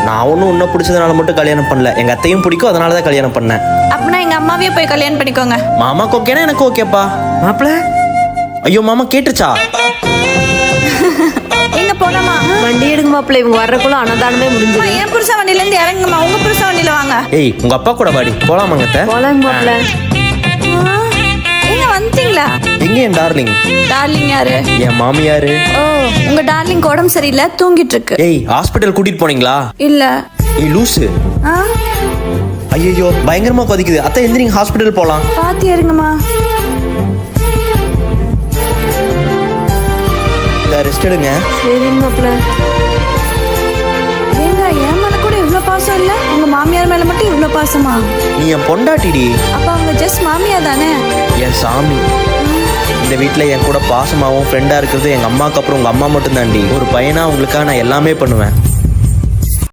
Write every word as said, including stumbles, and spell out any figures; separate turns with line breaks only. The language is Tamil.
நான் ஒன்றும் உன்னை பிடிச்சதுனால மட்டும் கல்யாணம் பண்ணல, எங்க அத்தையும் பிடிக்கும், அதனால தான் கல்யாணம் பண்ணேன்.
அப்படின்னா எங்க அம்மாவே போய் கல்யாணம் பண்ணிக்கோங்க.
மாமாக்கு ஓகேனா எனக்கு ஓகேப்பா. மாப்பிள ஐயோ மாமா கேட்டுச்சா?
எங்க போலாமா?
வண்டி எடுங்க மாப்பிள்ள, இவங்க வர்றக்குள்ள அன்னதானமே முடிஞ்சது.
என் புருஷ வண்டியில இருந்து இறங்குமா, உங்க புருஷ வண்டியில வாங்க.
ஏய் உங்க அப்பா கூட வாடி போலாமாங்க அத்தை?
போலாங்க மாப்பிள்ள.
எங்க வந்துட்டீங்களா?
எங்க என் டார்லிங்?
டார்லிங் யாரு?
என் மாமியாரு.
ஓ உங்க டார்லிங் உடம்பு சரியில்லை, தூங்கிட்டு இருக்கு.
ஏய் ஹாஸ்பிட்டல் கூட்டிட்டு போனீங்களா?
இல்ல.
ஏய் லூசு.
ஆ
ஐயோ பயங்கரமா கொதிக்குது அத்தை, எந்திரிங்க ஹாஸ்பிட்டல் போலாம்.
பாத்து இறங்குமா.
ரெஸ்ட் எடுங்க.
சரிங்க மாப்பிள்ள.
ஏங்க என் மேல கூட இவ்வளவு பாசம் இல்ல, உங்க மாமியார் மேல மட்டும் இவ்வளவு பாசமா?
நீ என் பொண்டாட்டிடி.
அப்ப அவங்க ஜஸ்ட் மாமியார் தானே?
என் சாமி. இந்த வீட்டில் என் கூட பாசமாகவும் ஃப்ரெண்டாக இருக்கிறது எங்கள் அம்மாவுக்கு அப்புறம் உங்கள் அம்மா மட்டும்தான்டி. ஒரு பையனா உங்களுக்காக நான் எல்லாமே பண்ணுவேன்.